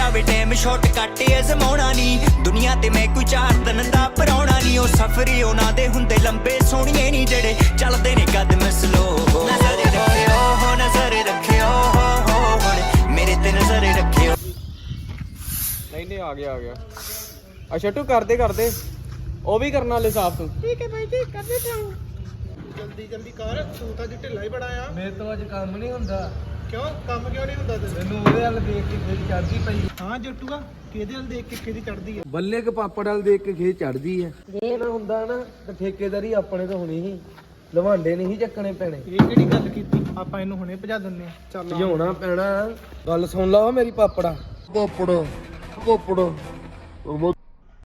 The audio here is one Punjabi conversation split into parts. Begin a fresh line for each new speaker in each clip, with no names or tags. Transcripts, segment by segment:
ਜਾਵੇ ਟਾਈਮ ਸ਼ਾਰਟਕਟ ਅਜ਼ਮਾਉਣਾ ਨਹੀਂ ਦੁਨੀਆ ਤੇ ਮੈਂ ਕੋਈ 4 ਦਿਨ ਦਾ ਪਰਾਉਣਾ ਨਹੀਂ ਉਹ ਸਫ਼ਰ ਉਹਨਾਂ ਦੇ ਹੁੰਦੇ ਲੰਬੇ ਸੋਹਣੀਏ ਨਹੀਂ ਜਿਹੜੇ ਚੱਲਦੇ ਨੇ ਕਦਮ ਸਲੋ ਨਜ਼ਰ ਰੱਖਿਓ ਹੋ ਨਜ਼ਰ ਰੱਖਿਓ ਹੋ ਹੁਣ ਮੇਰੇ ਤੇ ਨਜ਼ਰ ਰੱਖਿਓ
नहीं आ गया अच्छा तू कर दे वो भी करने वाले साफ तू
ठीक है भाई जी कर देता हूँ जल्दी कर तू तो अज ढिला ही बड़ा आ
मेरे तो अज काम नहीं हुंदा
क्यों काम क्यों नहीं हुंदा तेरे
मैनू ओदे वाल देख के खेच चढ़दी पई
हां जट्टूआ किहदे वाल देख के किहदी चढ़दी है
ਬੱਲੇ ਕੇ ਪਾਪੜ ਵਾਲ ਦੇਖ ਕੇ ਖੇਚ ਚੜਦੀ ਹੈ ਜੇ ਨਾ ਹੁੰਦਾ ਨਾ ਤੇ ਠੇਕੇਦਾਰੀ ਆਪਣੇ ਤੋਂ ਹੋਣੀ ਸੀ ਲਵਾਂਡੇ ਨਹੀਂ ਚੱਕਣੇ ਪੈਣੇ
ਇਹ ਕਿਹੜੀ ਗੱਲ ਕੀਤੀ ਆਪਾਂ ਇਹਨੂੰ ਹੁਣੇ ਭਜਾ ਦਿੰਨੇ ਚੱਲ
ਭਜਾਉਣਾ ਪੈਣਾ ਗੱਲ ਸੁਣ ਲਾ ਮੇਰੀ ਪਾਪੜਾ ਪਾਪੜ ਉਹ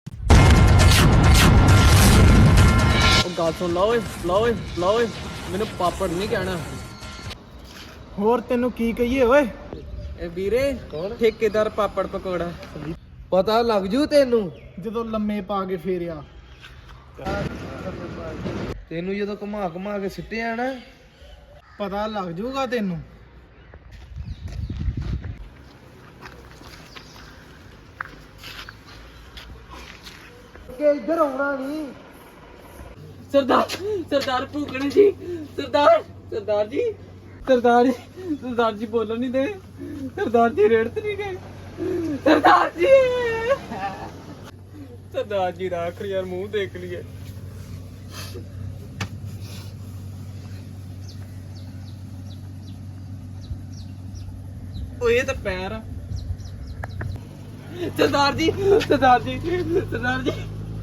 ਗੱਲ ਸੁਣ ਲਾ ਓਏ ਮੈਨੂੰ ਪਾਪੜ ਨਹੀਂ ਕਹਿਣਾ
ਹੋਰ ਤੈਨੂੰ ਕੀ ਕਹੀਏ ਓਏ
ਇਹ ਵੀਰੇ ਠੇਕੇਦਾਰ ਪਾਪੜ ਪਕੌੜਾ ਪਤਾ ਲੱਗ ਜੂ ਤੈਨੂੰ
ਜਦੋਂ ਲੰਮੇ ਪਾ ਕੇ ਫੇਰਿਆ
ਤੈਨੂੰ ਜਦੋਂ ਘੁਮਾ ਕੇ ਸਿੱਟਿਆ ਨਾ
ਪਤਾ ਲੱਗ ਜੂਗਾ ਤੈਨੂੰ
ਕਿ ਇੱਧਰ ਆਉਣਾ ਨਹੀਂ
सरदार भूखने जी सरदार जी बोलो नहीं दे सरदार जी रेड़ तो नहीं गए सरदार जी राख यार मुंह देख लिए ओ ये तो पैर सरदार जी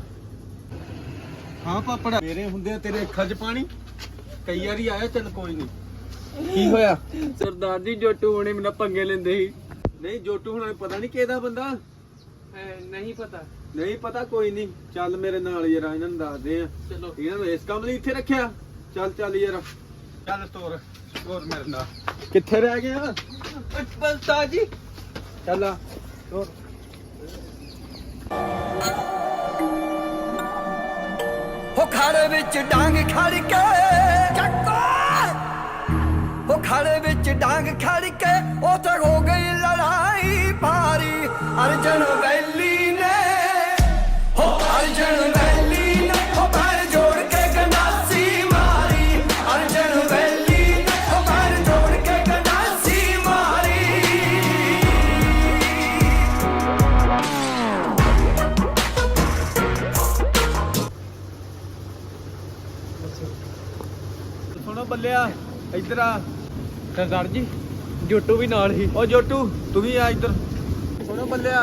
ਹਾਂ ਪਾਪੜਾ ਮੇਰੇ ਹੁੰਦੇ ਤੇਰੇ ਅੱਖਾਂ 'ਚ ਪਾਣੀ ਕਈ ਵਾਰੀ ਆਇਆ ਚੱਲ ਕੋਈ ਨਹੀਂ ਕੀ ਹੋਇਆ
सरदार जी जोटू होने मेरा पंगे लेंदे ही
ਨਹੀਂ ਜੋਟੂ ਹੁਣ ਪਤਾ ਨਹੀਂ ਕਿਹਦਾ ਬੰਦਾ
नहीं पता
ਨਹੀਂ ਪਤਾ ਕੋਈ ਨਹੀਂ ਚੱਲ ਮੇਰੇ ਨਾਲ ਯਾਰ ਇਹਨਾਂ ਨੂੰ ਦੱਸਦੇ ਆ
चलो
ਇਹਨਾਂ ਨੂੰ ਇਸ ਕੰਮ ਲਈ ਇੱਥੇ ਰੱਖਿਆ ਚੱਲ ਯਾਰ ਚੱਲ ਸਟੋਰ ਮੇਰੇ ਨਾਲ ਕਿੱਥੇ ਰਹਿ ਗਿਆ
सरदार जी
ਚੱਲ ਆ ਤੋਰ
ਹੋ ਖਾੜੇ ਵਿੱਚ ਡਾਂਗ ਖੜ ਕੇ ਚੱਕੋ ਹੋ ਖਾੜੇ ਵਿੱਚ ਡਾਂਗ ਖੜ ਕੇ ਉੱਥੇ ਹੋ ਗਈ ਲੜਾਈ ਭਾਰੀ ਅਰਜਨ ਵੈਲੀ ਨੇ ਹੋ ਅਰਜਨ ਵੈਲੀ ਨੇ ਹੋ ਪੈਰ ਜੋੜ ਕੇ ਗੰਡਾਸੀ ਮਾਰੀ ਅਰਜਨ ਵੈਲੀ ਨੇ ਹੋ ਪੈਰ ਜੋੜ ਕੇ ਗੰਡਾਸੀ ਮਾਰੀ
ਸੁਣੋ ਬੱਲਿਆ ਇੱਧਰ ਆ
सरदार जी जोटू भी नाल ही
ਓ ਜੋਟੂ ਤੂੰ ਵੀ ਆ ਇੱਧਰ ਸੁਣੋ ਬੱਲਿਆ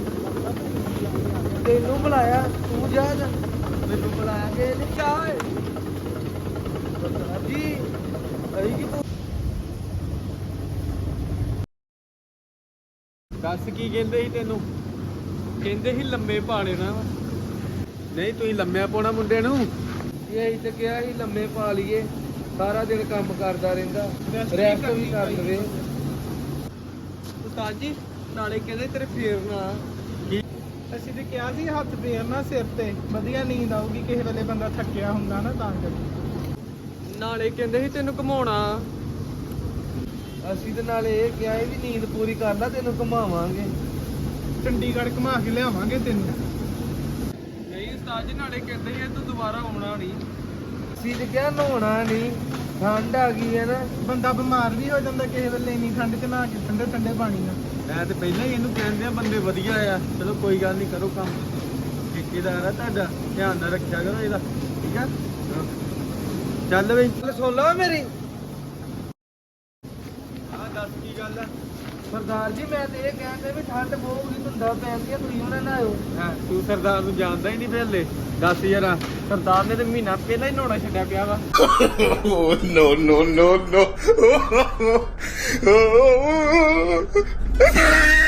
ਤੈਨੂੰ ਬੁਲਾਇਆ ਤੂੰ ਜਾ ਮੈਨੂੰ ਬੁਲਾਇਆ ਕਿ ਨਹੀਂ ਜਾ ਓਏ ਸਰਦਾਰ ਜੀ ਅਈ ਕਿ ਤੂੰ ਦੱਸ ਕੀ ਕਹਿੰਦੇ ਸੀ ਤੈਨੂੰ
कहते ही लम्बे पाने ना
ਨਹੀਂ ਤੁਸੀਂ ਲੰਮਿਆ ਪਾਉਣਾ ਮੁੰਡੇ ਨੂੰ ਇਹ ਅਸੀਂ ਤੇ ਕਿਹਾ ਸੀ ਲੰਮੇ ਪਾ ਲਈਏ ਸਾਰਾ ਦਿਨ ਕੰਮ ਕਰਦਾ ਰਹਿੰਦਾ ਰੈਸਟ ਵੀ ਕਰ ਲਵੇ
उस्ताद जी नाले कहते तेरे फेरना
ਅਸੀਂ ਤੇ ਕਿਹਾ ਸੀ ਹੱਥ ਫੇਰਨਾ ਸਿਰ ਤੇ ਵਧੀਆ ਨੀਂਦ ਆਊਗੀ ਕਿਸੇ ਵੇਲੇ ਬੰਦਾ ਥੱਕਿਆ ਹੁੰਦਾ ਨਾ ਤਾਂ ਕਰਕੇ
नाले कहते ही तेन घुमाना
ਅਸੀਂ ਤੇ ਨਾਲੇ ਇਹ ਕਿਹਾ ਸੀ ਵੀ ਨੀਂਦ ਪੂਰੀ ਕਰ ਲੈ ਤੈਨੂੰ ਘੁਮਾਵਾਂਗੇ
ਚੰਡੀਗੜ੍ਹ ਘੁਮਾ ਕੇ ਲਿਆਵਾਂਗੇ ਤੈਨੂੰ
नहीं उस्ताद जी नाले कहते ही तू दोबारा आना नहीं
ਅਸੀਂ ਤੇ ਕਿਹਾ ਨਹਾਉਣਾ ਨਹੀਂ ਠੰਡ ਆ ਗਈ ਹੈ ਨਾ
ਬੰਦਾ ਬਿਮਾਰ ਵੀ ਹੋ ਜਾਂਦਾ ਕਿਸੇ ਵੇਲੇ ਇੰਨੀ ਠੰਡ ਚ ਨਹਾ ਕੇ ਠੰਡੇ ਪਾਣੀ ਨਾਲ
ਮੈਂ ਤੇ ਪਹਿਲਾਂ ਹੀ ਇਹਨੂੰ ਕਹਿੰਦੇ ਆ ਬੰਦੇ ਵਧੀਆ ਆ ਚਲੋ ਕੋਈ ਗੱਲ ਨਹੀਂ ਕਰੋ ਕੰਮ ਠੇਕੇਦਾਰ ਆ ਤੁਹਾਡਾ ਧਿਆਨ ਨਾਲ ਰੱਖਿਆ ਕਰੋ ਇਹਦਾ ਠੀਕ ਆ ਚੱਲ ਬਈ ਸੁਣ ਲਓ ਮੇਰੀ ਹਾਂ ਦੱਸ ਕੀ ਗੱਲ ਆ ਸਰਦਾਰ ਜੀ ਮੈਂ ਤੇ ਇਹ ਕਹਿੰਦੇ ਵੀ ਠੰਡ ਬਹੁਤ ਹੀ ਧੁੰਦਾ ਪੈਂਦੀ ਆ ਤੁਸੀਂ ਉਹਨਾਂ ਨਾਲ ਆਇਓ ਹਾਂ ਤੂੰ ਸਰਦਾਰ ਨੂੰ ਜਾਣਦਾ ਹੀ ਨਹੀਂ ਪਹਿਲੇ ਦੱਸ ਯਾਰ ਸਰਦਾਰ ਨੇ ਤੇ ਮਹੀਨਾ ਪਹਿਲਾਂ ਹੀ ਨਹਾਉਣਾ ਛੱਡਿਆ ਪਿਆ ਵਾ
no.